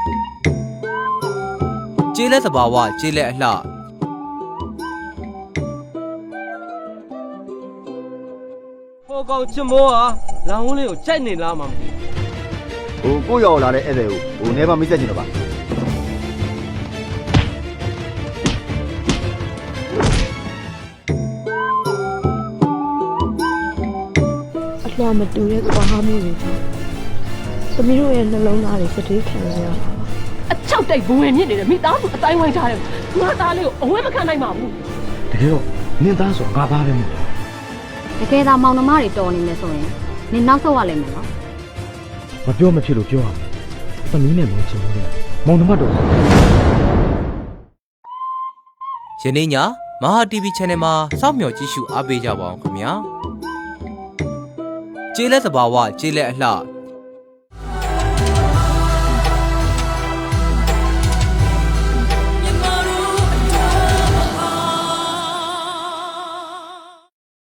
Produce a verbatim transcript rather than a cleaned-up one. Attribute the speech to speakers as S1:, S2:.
S1: ကျေးလက်သဘာဝကျေးလက်အလှ
S2: ဟိုကောင်ချစ်မောဟာလောင်ဝင်းလေးကိုကြိုက်နေလားမှမသိ
S3: ဟိုကိုရောက်လာတဲ့ဧည့်သည်ကိုဟိုနေပါမိတ်ဆက်ချင်တော့ပါ
S4: အလှမတူတဲ့ကွာဟာမျိုးတွေပေါ့သမီးတို့ရဲ့နှလုံးသားတွေစတေးခံရတာ
S5: အချောက်တိတ်ဘဝင်မြင့်နေတယ်မိသားစုအတိုင်းဝိုင်းထားတယ်ငါသားလေးကိုအဝဲမခံနိုင်ပါဘူး
S6: တကယ်တော့နင်းသားဆိုငါသားပဲမဟုတ်
S7: တကယ်သာမောင်နှမတွေတော်နေမယ်ဆိုရင်နင်နောက်ဆုတ်ရလိမ့်မယ်နော်
S6: မပြောမဖြစ်လို့ပြောရမယ်သမီးနဲ့မောင်ချင်လို့မောင်နှမတော်
S1: ယနေ့ညမဟာ တီဗီ Channel မှာစောင့်မျှော်ကြည့်ရှုအားပေးကြပါအောင်ခင်ဗျာကျေးလက်သဘာဝကျေးလက်အလှ